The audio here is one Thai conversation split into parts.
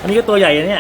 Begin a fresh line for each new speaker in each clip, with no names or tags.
นนี้ก็ตัวใหญ่เนี่ย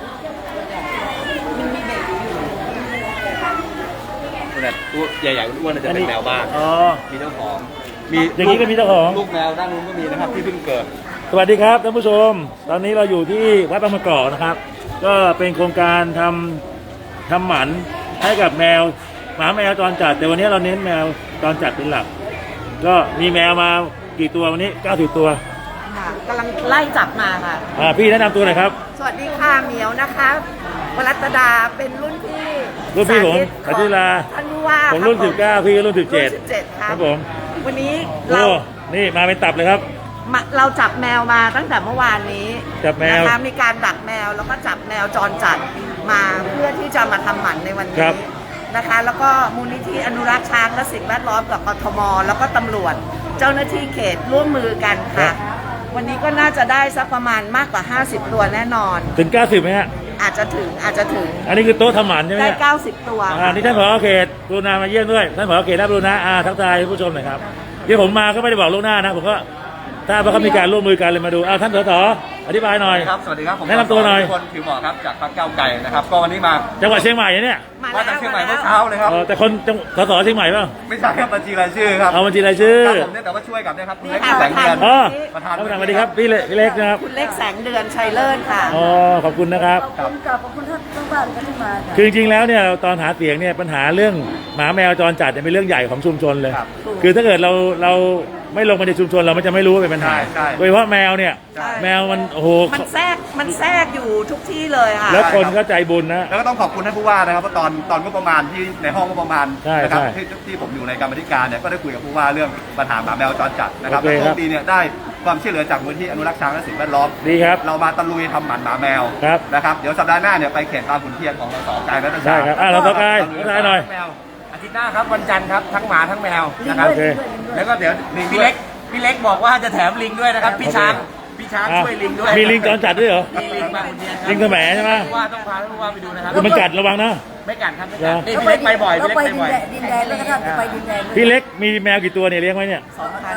แต่ตัวใหญ่ๆอ้วนๆจะเป็นแมวบ้านมีเจ้าของมี
อย่างนี้ก็มีเจ้าของ
ลูกแมวด้านนู้นก็มีนะครับที่เพิ่งเกิด
สวัสดีครับท่านผู้ชมตอนนี้เราอยู่ที่วัดบางมะกอกนะครับก็เป็นโครงการทำหมันให้กับแมวหมาแมวจรจัดแต่วันนี้เราเน้นแมวจรจัดเป็นหลักก็มีแมวมากี่ตัววันนี้90ตัว
ค่ะกำลังไล่จับมาค่ะ
พี่แนะนำตัวหน่อยครับ
สวัสดีค่ะเหมียวนะคะวรัตดาเป็นรุ่นพี่
ผมสันติลา
ท่านผู้ว่า
ผมรุ่น19พี่รุ่น
17
ครับผม
วันนี้เรา
นี่มาเป็นตับเลยครับ
เราจับแมวมาตั้งแต่เมื่อวานนี้
จับแมว
นะคะมีการดักแมวแล้วก็จับแมวจรจัดมาเพื่อที่จะมาทำหมันในวันนี้นะคะแล้วก็มูลนิธิอนุรักษ์ช้างและสิ่งแวดล้อมกับกทมแล้วก็ตำรวจเจ้าหน้าที่เขตร่วมมือกันค่ะวันนี้ก็น่าจะได้สักประมาณมากกว่า50ตัวแน่นอน
ถึง90ไหมฮะ
อาจจะถึง
อันนี้คือโต๊ะทำหมันใช่ไหม
ได้90ตัว
นี่ท่านผอ.เขตกรุณามาเยี่ยมด้วยท่านผอ.เขตรับกรุณาทักทายผู้ชมหน่อยครับเดี๋ยวผมมาก็ไม่ได้บอกล่วงหน้านะผมก็ถ้าเขามีการร่วมมือกันเลยมาดูท่านสส.อธิบายหน่อย
ครับสวัสดีครับผม
แนะนำตัวหน่อย
คนผิวหมอครับจากพรรคก้าวไกลนะครับก็วันนี้มา
จังหวัดเชียงใหม่เนี่ย
มาจากเชียงใหม่เมื่อเช้าเลยครับ
แต่คนสส.เชียงใหม่ป่ะ
ไม่ใช่ครับบัญชีรายชื่อครับ
บัญชีรายชื่อ
ผมเนี่ยแต่ว่าช่วยกับเนี่ยครับคุณเล็กแสงเดือน
ประธานสวัสดีครับพี่เล็กนะครับ
คุณเล็กแสงเดือนชัยเลิศค่ะ
ขอบคุณนะครับ
ขอบคุณท่านทั้งบ้านกันที่มา
คือจริงๆแล้วเนี่ยตอนหาเสียงเนี่ยปัญหาเรื่องหมาแมวจรจัดเป็นเรื่องใหญ่ของชุมชนเลยคือถ้าเกิดเราไม่ลงมาในชุมชนเราไม่จะไม่รู้ว่าเป็นปัญหาโดยเฉพาะแมวเนี่ยแมวมันโอ้โห
มันแทรกอยู่ทุกที่เลยค่ะ
แล้วคนก็ใจบุญนะ
แล้วก็ต้องขอบคุณท่านผู้ว่านะครับเพราะตอนก็ประมาณที่ในห้องก็ประมาณนะครับที่ผมอยู่ในกรรมธิการเนี่ยก็ได้คุยกับผู้ว่าเรื่องปัญหาหมาแมวจรจัดนะครับแล้วก็ดีเนี่ยได้ความช่วยเหลือจากมูลที่อนุรักษ์ช้างและสิ่งแวดล้อม
ดีครับ
เรามาตะลุยทำหมันหมาแมวนะครับเดี๋ยวสัปดาห์หน้าเนี่ยไปเขตบางขุนเทียนของเราสกายและต่างๆ
ใช่ครับเราสกายหน่อย
อาทิตย์หน้าครับวันจันทร์ครับทั้งหมาทั้งแมวนะครับแล้วก็เดี๋ยวพี่เล็กบอกว่าจะแถมลิงด้วยนะครับพี่ช้างช่วยลิงด้วย
มีลิงจรจัดด้วยเหรอ
มีลิงบางขุนเทียน
ลิงกระแหมใช่ไหม
ว่าต้องพาท่านผู้ว่าไปดูนะครับ
มันกัดระวังนะ
ไม่กัดครับไม่กัดนี่พี่เล็กไปบ่อยพี่เล็กไปบ่อย
ดินแดนแล้วก็ท่านไปดินแดน
พี่เล็กมีแมวกี่ตัวเนี่ยเลี้ยงไว้เนี่ย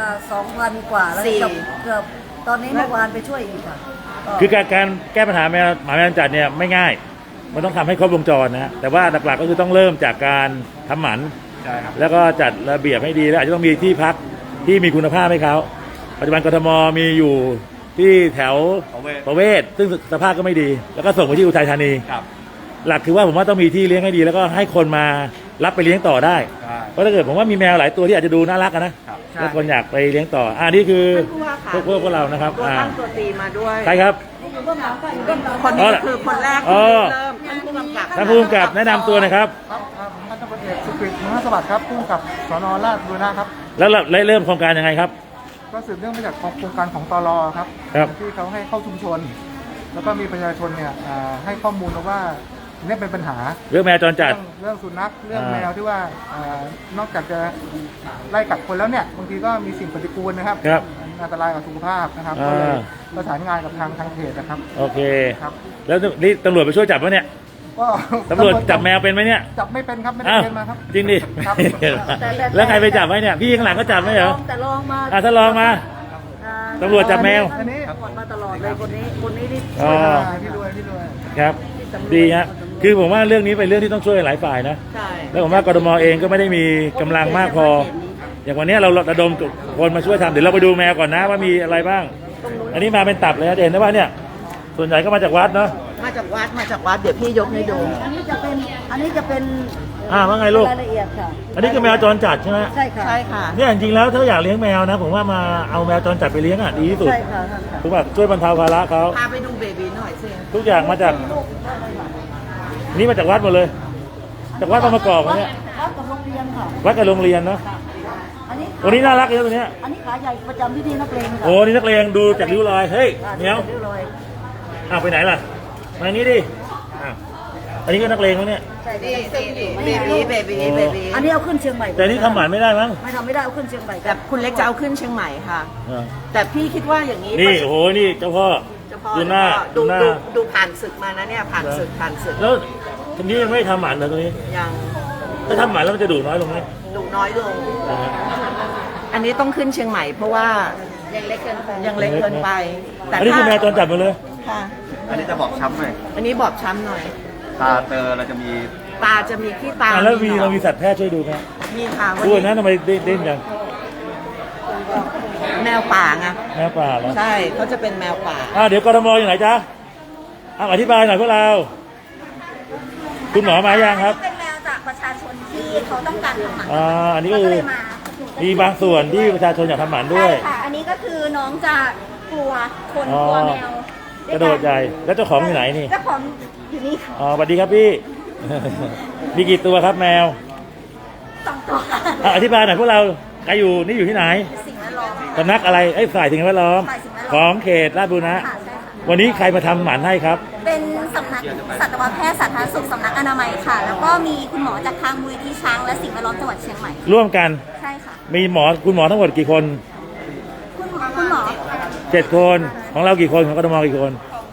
2,000 กว่าแล้วเกือบตอนนี้เมื่อวานไปช่วยอีกค่ะ
คือการแก้ปัญหาหมาแมวจรจัดเนี่ยไม่ง่ายมันต้องทำให้ครบวงจรนะแต่ว่าหลักๆก็คือต้องเริ่มจากการทำหมันแล้วก็จัดระเบียบให้ดีแล้วอาจจะต้องมีที่พักที่มีคุณภาพให้เขาปัจจุบันกทมมีอยู่ที่แถวประเวศซึ่งสภาพก็ไม่ดีแล้วก็ส่งไปที่อุทัยธานีหลักคือว่าผมว่าต้องมีที่เลี้ยงให้ดีแล้วก็ให้คนมารับไปเลี้ยงต่อได้เพราะถ้าเกิดผมว่ามีแมวหลายตัวที่อาจจะดูน่ารักนะแล้วคนอยากไปเลี้ยงต่อนี่คือพวกเรานะครับ
ตัวตั้งตัวตีมาด้วย
ใช่ครับ
คนนี้คือคนแรกที่เริ่มท่านผู้กำกับ
แนะนำตัวนะครับ
พันตำรวจเอกสุกฤต มหาสวัสดิ์ครับผู้กำกับสน.ราชบุรณะครับ
แล้วเริ่มโครงการยังไงครับ
ก็สืบเนื่องมาจากโครงการของตล.ครับที่เขาให้เข้าชุมชนแล้วก็มีประชาชนเนี่ยให้ข้อมูลว่านี่เป็นปัญหา
เรื่องแมวจรจัด
เรื่องสุนัขเรื่องแมวที่ว่านอกจากจะไล่กัดคนแล้วเนี่ยบางทีก็มีสิ่งปฏิกูลนะครับอันตรายกับสุขภาพนะครับก็เลยประสานงานกับทางเขตนะครับ
โอเคครับแล้วนี่ตำรวจไปช่วยจับไหมเนี่ย
ก็
ตำรวจจับแมวเป็นไหมเนี่ย
จับไม่เป็นครับไม่ได้เป็นมาครับ
จริงดิแล้วใครไปจับไหมเนี่ยพี่ข้างหลังก็จับไหมเหรอ
แต่ลองมา
ถ้าลองมาตำรวจจับแมว
อันนี้มาตลอดเลยคนนี้ที่
พี่ด้วย
ครับดีฮะคือผมว่าเรื่องนี้เป็นเรื่องที่ต้องช่วยหลายฝ่ายนะแล้วผมว่ากทมเองก็ไม่ได้มีกำลังมากพออย่างวันนี้เราระดมคนมาช่วยทำเดี๋ยวเราไปดูแมวก่อนนะว่ามีอะไรบ้างอันนี้มาเป็นตับเลยนะเห็นไหมว่าเนี่ยส่วนใหญ่ก็มาจากวัดเนาะ
มาจากวัดเดี๋ยวพี่ยกให้ดู
อันนี้จะเป็น
ว่าไงลูก
รายละเอียดค่ะ
อันนี้คือแมวจรจัดใช่ไหม
ใช่ค่ะ
เนี่ยจริงๆแล้วถ้าอยากเลี้ยงแมวนะผมว่ามาเอาแมวจรจัดไปเลี้ยงดีที่สุด
ใช่ค่ะ
ถูกป่ะช่วยบรรเทาภาระเขา
พาไปดูเบบีหน่อยสิ
ทุกอย่างมาจากนี่มาจากวัดหมดเลยจากวัดบางมะกอกเนี่ย
วัดกับโรงเรียนค่ะ
วัดกับโรงเรียนเนาะตัวนี้น่ารักเลยตัวนี้
อันนี้ขาใหญ่ประจำที่นักเลง
โอ้นี่นักเลงดูจากริ้วรอยเฮ้ยเหนียวไปไหนล่ะมานี้ดิอันนี้ก็นักเลงแล้วเนี่ย
เบบี
อันนี้เอาขึ้นเชียงใหม่
แต่นี่ทำหมันไม่ได้มั้ง
ไม่ทำไม่ได้เอาขึ้นเชียงใหม่
แต่คุณเล็กจะเอาขึ้นเชียงใหม่ค่ะแต่พี่คิดว่าอย่างนี้
นี่โอ้โหนี่เจ้าพ่อดูหน้า
ดูผ่านศึกมานะเนี่ยผ่านศึก
แล้วทีนี้ยังไม่ทำหมันเลยตรงนี้
ยัง
ถ้าทำหมันแล้วมันจะดุน้อยลงไหม
ดุน้อยลงอันนี้ต้องขึ้นเชียงใหม่เพราะว่ายังเล็กเกินไปแต่
อันนี้คือแมวจรจัดหมดเลย
ค่ะ
อันนี้จะบอกช้ำหน่อย
อันนี้บอบช้ำหน่อย
ตาเตอเราจะมี
ตาจะมีขี้ตา
แล้ว
หน
เรา
อง
มีสัตวแพทย์ช่วยดูไหม
มีค่ะวัน
ดู
นี้
นะทำไมเด่นจัง
แมวป่าไง
แม่ป่าเหรอ
ใช่เขาจะเป็นแมวป่า
เดี๋ยวกทมอยู่ไหนจ๊ะอธิบายหน่อยพวกเรา คุณหมอมายังครับ
เป็นแมวจากประชาชนที่เขาต้องการทำหมัน
อันนี้ก็
เขา
คือ
เลยมา
มีบางส่วนที่ประชาชนอยากทำหมันด้
ใช่
วย
ค่ะ อันนี้ก็คือน้องจะกลัวคน
อ๋อ
กลัวแมว
กระโดดใหญ่แล้วเจ้าของอยู่ไหนนี่
เจ้าของอยู่นี่ค่ะ
สวัสดีครับพี่ มีกี่ตัวครับแมว
2 ตัว
อธิบายหน่อยพวกเราใครอยู่นี่อยู่ที่ไหน
สิ่งแวดล้อม
สำนักอะไรฝ่ายสิ่งแวดล้อม
ฝ่ายสิ่งแวดล้อม
ของเขตราชบุรณะ
ค่ะใช่ค่ะ
วันนี้ใครมาทำหมันให้ครับ
เป็นสำนักสัตวแพทย์สาธารณสุขสำนักอนามัยค่ะ แล้วก็มีคุณหมอจากทางมูลนิธิช้างและสิ่งแวดล้อมจังหวัดเชียงใหม่
ร่วมกัน
ใช่ค่ะ
มีคุณหมอทั้งหมดกี่คน
คุณหมอ
7 คนของเรากี่คนของกทมกี่คน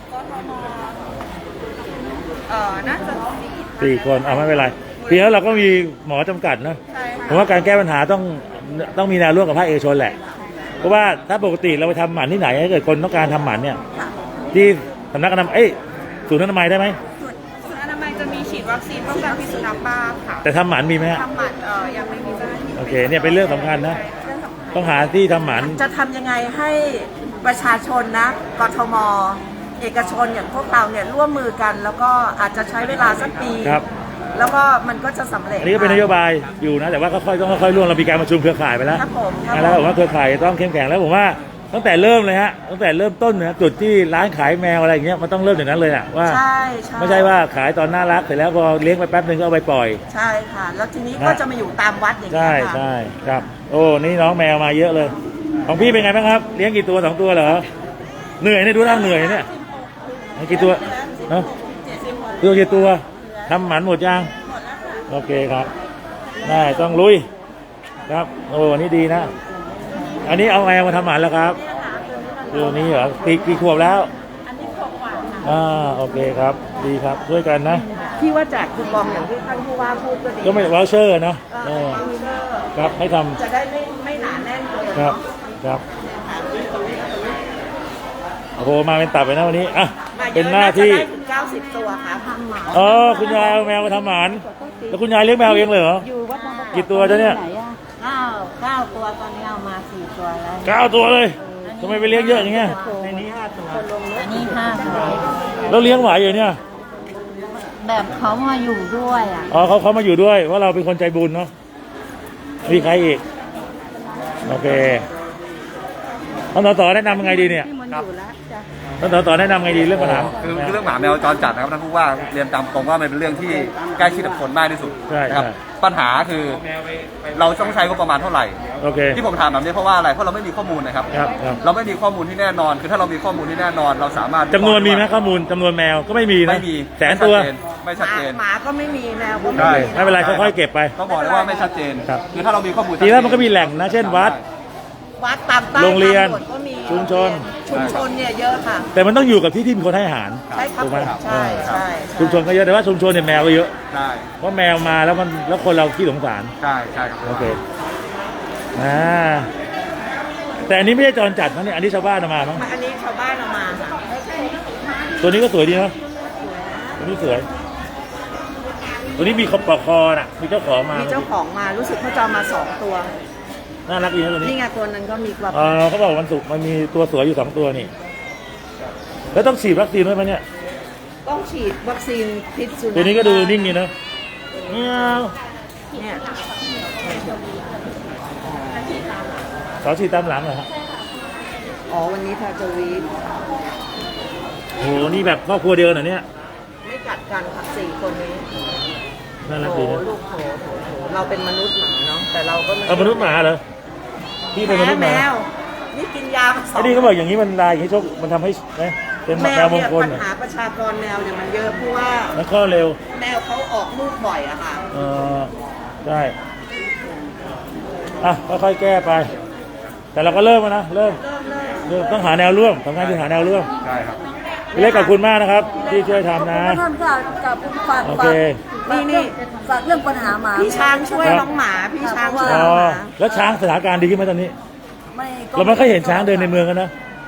น่าจะ
4 คนไม่เป็นไรเพียงแล้วเราก็มีหมอจำกัดนะผมว่าการแก้ปัญหาต้องมีแนวร่วมกับภาคเอกชนแหละ เพราะว่าถ้าปกติเราไปทำหมันที่ไหนถ้าเกิดคนต้องการทำหมันเนี่ยที่สำนักอนามัยศูนย์อนามัยได้ไหม
ศูนย์อนามัยจะมีฉีดวัคซีนป้องกันพิษสุนัขบ้าค่ะ
แต่ทำหมันมีไหมฮะ
ทำหมันยังไม่มีเจ้าหน้าที่
โอเคเนี่ยเป็นเรื่องสำคัญนะ ต้องหาที่ทำหมัน
จะทำยังไงให้ประชาชนนะกทม เอกชนอย่างพวกเราเนี่ยร่วมมือกัน แล้วก็อาจจะใช้เวลาสักปี
ครับ
แล้วก็มันก็จะสำเร็จ
อันนี้ก็เป็นนโยบายอยู่นะ แต่ว่าก็ต้องค่อยๆร่วมเรามีการประชุมเครือข่ายไปแล้ว
ครับผมครับ
แล้วผมว่าเครือข่ายต้องเข้มแข็งแล้วผมว่าตั้งแต่เริ่มเลยฮะตั้งแต่เริ่มต้นนะจุดที่ร้านขายแมวอะไรอย่างเงี้ยมันต้องเริ่มอย่างนั้นเลยอะว่า
ใช่ใช่
ไม่ใช่ว่าขายตอนน่ารักเสร็จแล้วพอเลี้ยงไปแป๊บนึงก็เอาไปปล่อย
ใช่ค่ะ แล้วทีนี้ก็จะมาอยู่ตามวัดอย่าง
ใช่
เงี้ยค่ะ
ใช่ครับ โอ้นี่น้องแมวมาเยอะเลย ของพี่เป็นไงบ้างครับเลี้ยงกี่ตัว2 ตัวเหรอเหนื่อยเนี่ยดูท่าเหนื่อยเนี่ยกี่ตัวเนาะตัวกี่ตัวทำหมันหมดยังโอเคครับได้ต้องลุยครับโอ้นี่ดีนะ อันนี้เอาแมวมาทำหมันแล้วครับตัวนี้เหรอกี่ขวบแล้วอันนี้ขวบกว่าโอเคครับดีครับช่วยกันนะ
ที่ว่าแจกคูปองอย่างที่ท่านผู้ว่าพูดก็ดี
ก็ไม่วอลเชอร์นะครับให้ท
จะได้ไม่หนาแน่นเกิน
ำครับครับโอ้โหมาเป็นตับเลยนะวันนี้อ่ะ
มาเยอะ
เป็นหน้าที่
จะได้ถึง90 ตัวค่ะทำหมา
คุณยายเอาแมวมาทำหมันแล้วคุณยายเลี้ยงแมวเองเลยเหรอกี่ตัวจ๊ะเนี่ย
9 ตัวตอนนี้เอามา 4 ตัวแล้ว
9 ตัวเลยทำไมไปเลี้ยงเยอะอย่างเงี้ย
ในนี้ 5 ตัว อันนี้ 5 ตัว
แล้วเลี้ยงไหวอยู่เนี่ย
แบบเขามาอยู่ด้วยอ่ะ
เขามาอยู่ด้วยว่าเราเป็นคนใจบุญเนาะมีใครอีกโอเคท่านต่อแนะนำยังไงดีเนี่ย
ที่มันอยู่แล้วจ้ะ
ท่านต่อแนะนำยังไงดีเรื่องปัญหา
คือเรื่องหมาแมวจรจัดนะครับท่านผู้ว่าเรียนตามตรงว่ามันเป็นเรื่องที่ใกล้ชิดกับคนมากที่สุด
ใช่
นะครับ
ใช่
ปัญหาคือเราต้องใช้งบประมาณเท่าไหร่
โอเค
ที่ผมถามแบบนี้เพราะว่าอะไรเพราะเราไม่มีข้อมูลนะครับ
ครับครับ
เราไม่มีข้อมูลที่แน่นอน คือถ้าเรามีข้อมูลที่แน่นอน เราสามารถ
จำนวนมีไหมข้อมูลจำนวนแมวก็ไม่มีนะ
ไม่มี
แสนตัว
ไม่ชัดเจน
หมาก็ไม่มีแมวก็
ใช่
ไม่มี
ไม่เป็นไรค่อยๆเก็บไป
ต้องบอกเลยว่าไม่ชัดเจน
ครับ
คือถ้าเรามีข้อมูล
ทีแรกมันก็มีแหล่งนะเช่นวัด
วัดตามใต้
โรงเรียน
ทางด่วก็มี
ชุมชน
ชุมชนเนี่ยเยอะค่ะ
แต่มันต้องอยู่กับที่มีคนให้อาหาร
ใช่ครับ
ถูกไหม
ใช่ใช่
ชุมชนก็เยอะแต่ว่าชุมชนเนี่ยแมวก็เยอะ
ใช่
เพราะแมวมาแล้วคนเราขี้สงสาร
ใช่ใช่ครับ
โอเคแต่อันนี้ไม่ใช่จรจัดนะเนี่ยอันนี้ชาวบ้านเอามามั้ง
อันนี้ชาวบ้านเอามาค่ะ
ตัวนี้ก็สวยดีนะตัวนี้สวย ตัวนี้มีขอบปอกคอน่ะมีเจ้าของมา
มีเจ้าของมารู้สึกเขาจะเอามา2 ตัว
น่ารักดีนะตัวนี้
นี่ไงตัวนั้นก็มีกว่า
เขาบอกวันศุกร์มันมีตัวสวยอยู่2 ตัวนี่แล้วต้องฉีดวัคซีนด้วยไหมเนี่ย
ต้องฉีดวัคซีนพิษสุนัข
ตัวนี้ก็ดูนิ่งดีนะเงี้ยว
เนี่ย
เขาฉีดตามหลังเหรอฮะ
อ๋อวันนี้ทาจะวีด
โหนี่แบบครอบครัวเดียวเหรอเนี่ย
ไม่กัดกันค่ะ4 คนนี้
น่ารัก
โถ
ดีนะ
ลูกโถเราเป็นมนุษย์หมาเนาะแต่เราก็ไม่
เอามนุษย์หมาเหรอพี่เป็นมนุษย์ห
แม
มา
วนี่กินยามาสอ
ไอ้
ง
นี่เขาบอกอย่างนี้มันลายอย่างนี้โชคมันทำให้นะเป็น
แม
แม
ว
วมง
เนี่ย
คล
ปัญ
เหรอ
หาประชากรแมวเนี่ยมันเยอะเพราะว่า
แล้วก็เร็ว
แมวเขาออกลูกบ่อยอะค่ะ
ใช่อ่ะค่อยๆแก้ไป แต่เราก็เริ่มแล้วนะเริ่มต้องหาแนวร่วมสำคัญคือหาแนวร่วม
ใช่ครับ
พี่เล็กขอบคุณมากนะครับ ที่ช่วยทำนะ
ท่านก็กับฝาก
โอเค
ฝากเรื่องปัญหาหมา
พี่ช้างช่วย
ครับ
น้องหมาพี่ช้างช่วย
อ๋
น้
อ
องหมา
แล้วช้างสถานการณ์ดีขึ้นไหมตอนนี้
ไม่
เราไม่ค่อยเห็นช้างเดินในเมืองกันนะ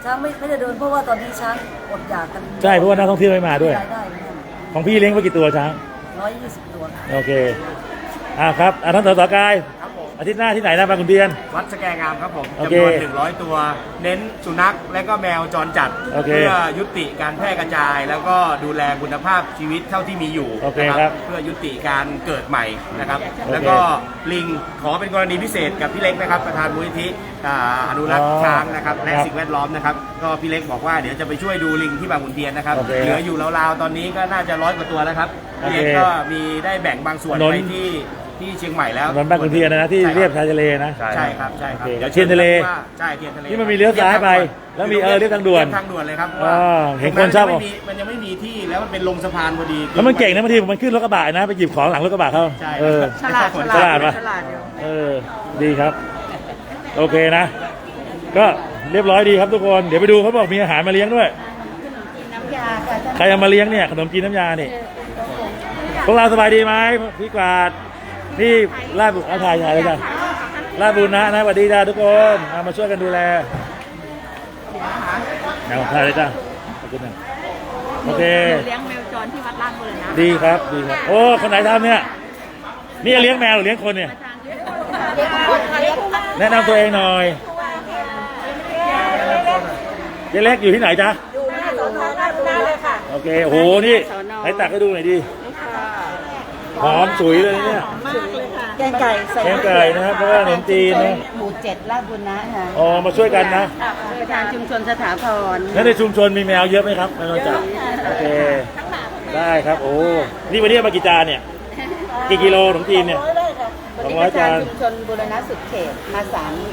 ช้างไม่ได้เดินเพราะว่าตอนนี้ช้างอดอยากกัน
ใช่เพราะว่านักท่องเที่ยวไม่มาด้วย
รายได้ไม่ได้
ของพี่เลี้ยงไว้กี่ตัวช้าง
120 ตัว
โอเคครับท่านสสกายอาทิตย์หน้าที่ไหนนะบางขุนเทียน
วัดสแกงามครับผม
โอเค
จำนวน100 ตัว เน้นสุนัขและก็แมวจรจัด
โอเค
เพื่อยุติการแพร่กระจาย แล้วก็ดูแลคุณภาพชีวิตเท่าที่มีอยู่
โอเค
นะครับ เพื่อยุติการเกิดใหม่นะครับ
โอเค
แล้วก็ลิงขอเป็นกรณีพิเศษกับพี่เล็กนะครับ ประธานมูลนิธิอนุรักษ์ช้างนะครับและ
ครับ
สิ่งแวดล้อมนะครับ ก็พี่เล็กบอกว่าเดี๋ยวจะไปช่วยดูลิงที่บางขุนเทียนนะครับ
โอเค
เหลืออยู่ราวๆตอนนี้ก็น่าจะ100 กว่าตัวแล้วครับพี่เล็ก
โอเค
ก็มีได้แบ่งบางส่วน
ถนน
ไปที่เชียงใหม่แล้ว
ถนนบางขุนเทียนนะที่เรียบชายทะเลนะ
ใช่ครับใช่ครับ
โอเค
ดี๋ว
เทียนทะเล
ใช่เทียนทะเล
นี่มันมีเลี้ยวซ้ายไปแล้วมีเรียบทางด่วน
เรียบทางด่วนเลยครับ
อ๋อเห็นคนชอบ
มันยังไม่มีที่แล้วมันเป็นลงสะพานพอดี
แล้วมันเก่งนะบางทีมันขึ้นรถกระบะนะไปหยิบของหลังรถกระบะเขา
ใช่
เออ
ฉลาด
ฉลาดปะ
ฉลาดอยู่
ดีครับ โอเคนะ ก็เรียบร้อยดีครับทุกคนเดี๋ยวไปดูเขาบอกมีอาหารมาเลี้ยงด้วยใครเอามาเลี้ยงเนี่ยขนมจีนน้ำยานี่พวกเราสบายดีไหมพี่กวาดพี่ลาดบุญถ่ายเลยจ้ะลาดบุญนะสวัสดีจ้าทุกคนมาช่วยกันดูแลเอาถ่ายเลยจ้าขอบคุณนะโอเค
เลี้ยงแมวจรที่วัดลาดบุรณะ
ดีครับดีครับโอ้คนไหนทำเนี่ยนี่เลี้ยงแมวหรือเลี้ยงคนเนี่ยแนะนำตัวเองหน่อยเจ๊เล็กอยู่ที่ไหนจ๊ะอยู่หน้าสอนอราชบุรณะเลยค่ะโอเคโอ้โหนี่ให้ตักให้ดูหน่อยดิหอมสวยเลยเนี่ย
แกงไก่ใส่
แกงไก่นะครับเพราะว่าขนมจีนนะ
หมู่7 ราชบุรณะค่ะ
อ๋อมาช่วยกันนะ
ประธานชุมชนสถาพร
แล้วในชุมชนมีแมวเยอะไหมครับแมวจับโอเคได้ครับโอ้นี่วันนี้เอามากี่จานเนี่ยกี่กิโลขนมจีนเนี่ย200 จาน
ชุมชนบุรณะสุดเขตมา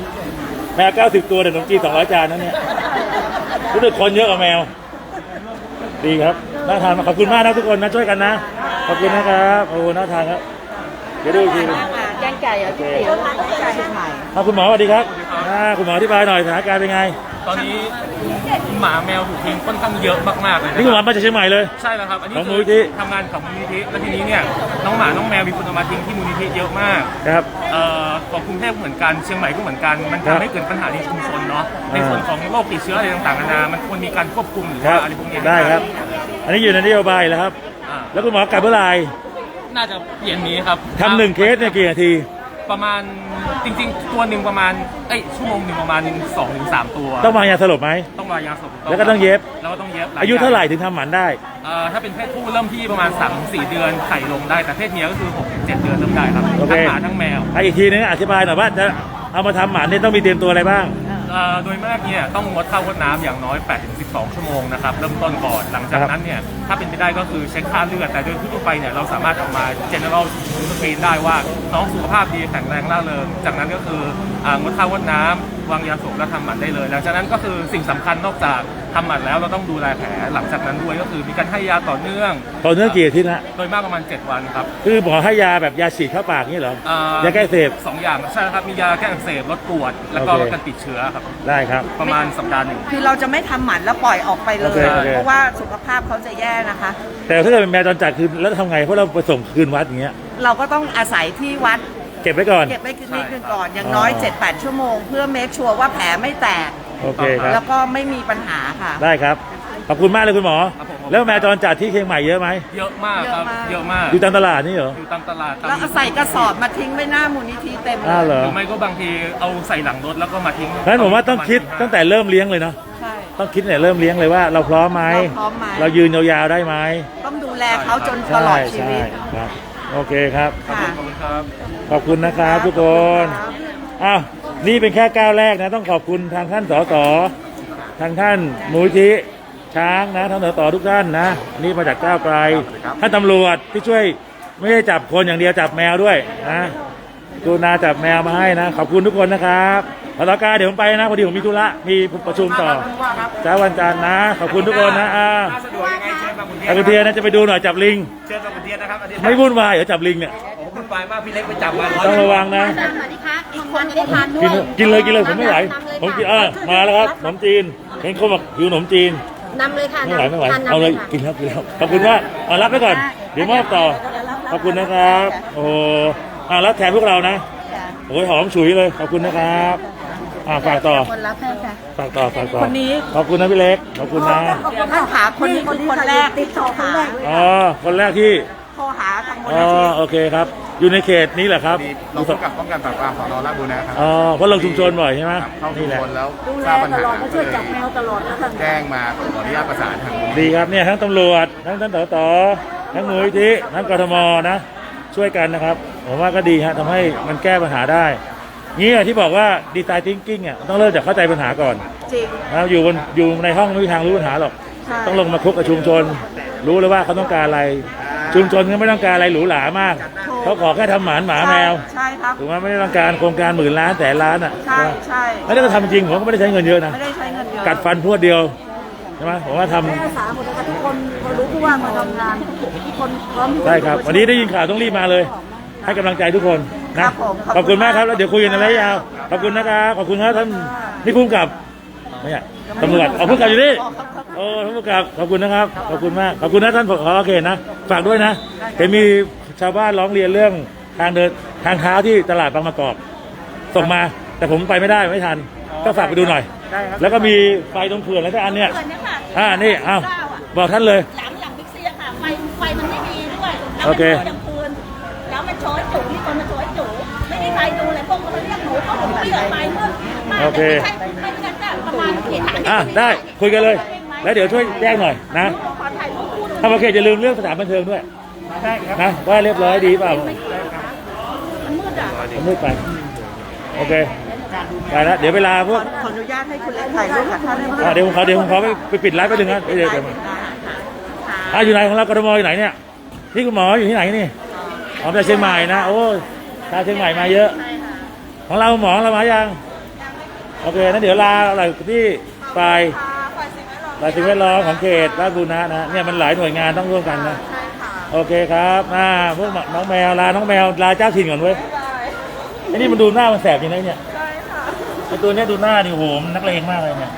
3
แมว90 ตัวแต่ขนมจีน200 จานนั่นเนี่ยรู้สึกคนเยอะกว่าแมวดีครับน่าทานมากขอบคุณมากนะทุกคนนะช่วยกันนะขอบคุณนะครับโอ้น่าทานครับเดี๋ยวดูอีกทีนึง
แกงไก่อ่ะพี่ติ๋วเชียงใหม่
คุณหมอสวัสดีครับคุณหมออธิบายหน่อยสถานการณ์เป็นไง
ตอนนี้หมาแมวถูกทิ้งค่อนข้างเยอะมากๆเลยนะ
นี่คุณหมอมาจากเชียงใหม่เลย
ใช่แล้วครับอันนี้
ของมู
คื
ลนิธิ
ทำงานของมูลนิธิแล้วทีนี้เนี่ยน้องหมาน้องแมวมีคนเอามาทิ้งที่มูลนิธิเยอะมาก
ครับ
ของกรุงเทพเหมือนกันเชียงใหม่ก็เหมือนกันมัน
ครับ
ทำให้เกิดปัญหาในชุมชนเนาะในส่วนของโรคติดเชื้ออะไรต่างๆนานามันควรมีการควบคุมหรือ
ครั
ว่า
บ
อะไรพวกเนี้ย
ได้ครับ อันนี้อยู่ในนโยบายแล้วครับ
อ่า
แล้วคุณหมอกลับเมื่อไหร่
น่าจะเย็นนี้ครับ
ทำ1 เคสเนี่ยกี่นาที
ประมาณจริงๆตัวหนึ่งประมาณชั่วโมงหนึ่งประมาณ 2-3 ตัว
ต้องวางยาสลบไหม
ต้องวางยาสลบ
แล้วก็ต้องเย็บ
แล้วก็ต้องเย็บ
อายุเท่าไหร่ถึงทำหมันได้
ถ้าเป็นเพศผู้เริ่มที่ประมาณ 3-4 เดือนไข่ลงได้ แต่เพศเมียก็คือ 6-7 เดือนเริ่มได้ครับ
โอเค
ทั้งหมาทั้งแมว
อีกทีนึงอธิบายหน่อยว่าจะเอามาทำหมันเนี่ยต้องมีเตรียมตัวอะไรบ้าง
โดยมากเนี่ยต้องงดข้าวงดน้ำอย่างน้อย 8-12 ชั่วโมงนะครับเริ่มต้นก่อนหลังจากนั้นเนี่ยถ้าเป็นไปได้ก็คือเช็คค่าเลือดแต่โดยทั่วไปเนี่ยเราสามารถเอามา general screen ได้ว่าน้องสุขภาพดีแข็งแรงร่าเริงจากนั้นก็คืองดข้าวงดน้ำวางยาสลบแล้วทำหมันได้เลยหลังจากนั้นก็คือสิ่งสำคัญนอกจากทำหมันแล้วเราต้องดูแลแผลหลังจากนั้นด้วยก็คือมีการให้ยาต่อเนื่อง
ต่อเนื่องกี่อาทิตย์นะ
โดยมากประมาณ 7 วันครับ
คือหมอให้ยาแบบยาฉีดเข้าปากนี่เหรอ ยาแก้อักเสพ
2 อย่างใช่ครับมียาแก้อักเสบลดปวด แล้วก็
โอเค
ลดการติดเชื้อครับ
ได้ครับ
ประมาณสัปดาห์หนึ่ง
คือเราจะไม่ทำหมันแล้วปล่อยออกไปเล
โอย เคโอเค
เพราะว่าสุขภาพเขาจะแย่นะคะ
แต่ถ้าเกิดเป็นแมวจรจัดคือแล้วทำไงเพราะเราไปส่งคืนวัดอย่างเงี้ย
เราก็ต้องอาศัยที่วัด
เก็บไว้ก่อน
เก็บไว้นิดนึงก่อน อย่างน้อย 7-8 ชั่วโมง เพื่อเมคชัวร์ว่าแผลไม่แตก
โอเคครับ
แล้วก็ไม่มีปัญหาค่ะ
ได้ครับ ขอบคุณมากเลยคุณหมอ
ครับผม
แล้วแมวจรจัดที่เชียงใหม่เยอะไหม
เยอะมากครับ เยอะมาก
อยู่ตามตลาดนี่เหรอ
อยู่ตามตลาดตาม
แล้วเอาใส่กระสอบมาทิ้งไว้หน้ามูลนิธิเต็มเล
เหร
ย
อ
หรือไม่ก็บางทีเอาใส่หลังรถแล้วก็มาทิ้ง
งั้นผมว่าต้องคิดตั้งแต่เริ่มเลี้ยงเลยเนาะ
ใช่
ต้องคิดเนี่ยเริ่มเลี้ยงเลยว่าเราพร้อมไหม
เราพร้อมไหม
เรายืนยาวๆได้ไหม
ต้องดูแลเขาจนตลอดชีวิต
ครับ โอเคครับ
ค่ะ
ขอบคุณครับ
ขอบคุณนะครับทุกคน อ้าว นี่เป็นแค่ก้าวแรกนะ ต้องขอบคุณทางท่านสส ทางท่านมูลที่ช้างนะท่านสสทุกท่านนะ นี่มาจากก้าวไกล ท่านตำรวจที่ช่วยไม่ได้จับคนอย่างเดียวจับแมวด้วยนะกรุณาจับแมวมาให้นะ ขอบคุณทุกคนนะครับพลกาเดี๋ยวผมไปนะพอดีผมมีธุระ มีประชุมต่อเช้าวันจันทร์นะ ขอบคุณทุกคนนะ
ถ้าสะดวกยังไงเชิญบางขุนเทีย
อาคุณเทียนนะจะไปดูหน่อยจับลิง
เชิญบางขุนเทียนนะครับอาทิตย์หน้า
ไม่วุ่นวายเดี๋ยวจับลิงเนี่ย
โอ้คุณไปมากพี่เล็กไปจับมา
ต้องระวังนะ
สวัสดีค่ะอีกคนไม่ได้ทานด้ว
กิ
ย
นเลยกินเลยผมไม่ไหวผมกินมาแล้วครับขนมจีนเห็นเขาบอกหิวขนมจีน
นำเลยค่ะ
ไม่ไหวไม่ไหว
ทาน
เอา
นำ
เล
เลย ยค่ะ
กินแล้วกินแล้วขอบคุณมากเอารับไปก่อนเดี๋ยวมอบต่อขอบคุณนะครับโอ้โหรับแทนพวกเรานะโอ้ยหอมฉุยเลยขอบคุณนะครับฝากต่อ
คนรับให้ค่ะ
ฝากต่อ
คนนี้
ขอบคุณนะพี่เล็กขอบคุณนะ
ท่านขาคนนี้คือคนแรกที่โทรหา
อ๋อคนแรกที่
โทรหาทางมูล
อ๋อ
นิธิ
โอเคครับ อยู่ในเขตนี้แหละครับ
เราป้องกันปราบปรามสนราชบุรณะครับ
อ๋อเพราะลงชุมชนบ่อยใช่ไหม
เข้าชุ
นี่
ม
แหละ
ชนแล้ว
ดู
ท
แล
ราบปัญ
ต
หา
ลอดก็ช่วยจับแมวตลอดนะท่าน
แจ้งมาขออนุญาตประสานทาง
ดีครับเนี่ยทั้งตำรวจทั้งท่านสสทั้งมูลนิธิทั้งกทมนะช่วยกันนะครับผมว่าก็ดีฮะทำให้มันแก้ปัญหาได้งี้ที่บอกว่าดีไซน์ทิงกิ้งอ่ะต้องเริ่มจากเข้าใจปัญหาก่อน
จริง
นะครับอยู่ในห้องไม่มีทางรู้ปัญหาหรอก
ใช่
ต้องลงมาคุกกับชุมชน รู้เลยว่าเขาต้องการอะไร ชุมชนก็ไม่ต้องการอะไรหรูหรามากเขาขอแค่ทำหมาแมว
ใช่ครับ
ถูกไหมไม่ได้ต้องการโครงการหมื่นล้านแสนล้านอ่ะ
ใช่ใช่
แล้วถ้าก็ทำจริงผมก็ไม่ได้ใช้เงินเยอะนะ
ไม่ได้ใช้เงินเยอะ
กัดฟันพรวดเดียวใช่ไหมผมว่าทำ
แม่อาสาหมดเลยค่ะทุกคนพอรู้ผู้ว่ามาทำงานทุกคนพร้อมที่จะ
ใช่ครับวันนี้ได้ยินข่าวต้องรีบมาเลย ให้กำลังใจทุกคนนะขอบคุณมากครับแล้วเดี๋ยวคุยกันในระยะยาวขอบคุณนะครับขอบคุณครับท่านนี่ภูมิกับไม่ใช่ตำรวจเอาภูมิกับอยู่นี่โอ้ท่านภูมิกับขอบคุณนะครับขอบคุณมากขอบคุณนะท่านผอโอเคนะฝากด้วยนะเห็นมีชาวบ้านร้องเรียนเรื่องทางเดินทางเท้าที่ตลาดบางมะกอกส่งมาแต่ผมไปไม่ได้ไม่ทันก็ฝากไปดูหน่อย แล้วก็มีไฟตรงเขื่อนแล้วก็อันเนี้ย
เกินเนี่ยค่ะ
นี่อ้าวบอกท่านเลย
หลังบิ๊กซีอะค่ะไฟมันไม่ดีด้วยแล้ว
โอ
มัน
เค
โชว์กลางคืนแล้วมันโชว์ให้จุ๋มีคนมาโชว์ให้จุ๋ไม่มีใครดูเลยพวกเขาเรียกหนูเขาบอกไม่เหลือไฟเมื่อมา
โอเค
แต่ไม่ใช่ไม่งั้นอะประมาณเห็น
ได้คุยกันเลย แล้วเดี๋ยวช่วยแจ้งหน่อยนะ
ขอถ่ายรูปคู่หนึ่ง
ถ้าโอเคอย่าลืมเรื่องสถานบันเทิงด้วยนะว่าเรียบร้อยดีเปล่า
มันมืดอ่ะ
มันมืดไปโอเคไปแล้วเดี๋ยวเวลาพวก
ขออนุญาตให้คุณเล็กถ่ายรูปกับท่านได้ไหม
เดี๋ยวผมขอไปปิดไลฟ์ไปหนึ่งนะเดี๋ยวอยู่ไหนของเรากทมอยู่ไหนเนี่ยนี่คุณหมออยู่ที่ไหนนี่อ๋อจากเชียงใหม่นะโอ้ชาวเชียงใหม่มาเยอะของเราหมอเรามายังโอเคนั้นเดี๋ยวลาอะไรที่ฝ่ายสิ่งแวดล้อมของเขตราชบุรณะนะเนี่ยมันหลายหน่วยงานต้องร่วมกันนะโอเคครับพวกน้องแมวลาน้องแมวลาเจ้าถิ่นก่อนเว้ยไอ้นี่มันดูหน้ามันแสบจริงนะเนี่ยไอ้ตัวเนี้ยดูหน้าดิโหมันนักเลงมากเลยเนี่ย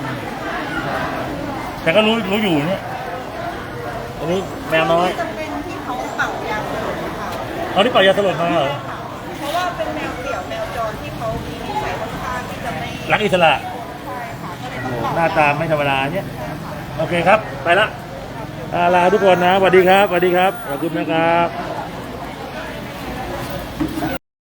แต่ก็รู้อยู่เนี่ยอันนี้แมวน้อย
จะเป็นที่เขาเป่ายาสลบค่ะ
เอาที่เป่ายาสลบมาเหรอ
เพราะว่าเป็นแมวเดี่ยวแมวจรที่เขามีนิสัยค่อนข้างที่จะไม่
รักอิสระ
ใช่ค่ะก็เลยต้อง
หน้าตาไม่ธรรมดาเนี่ยโอเคครับไปละลาทุกคนนะสวัสดีครับสวัสดีครับขอบคุณนะครับ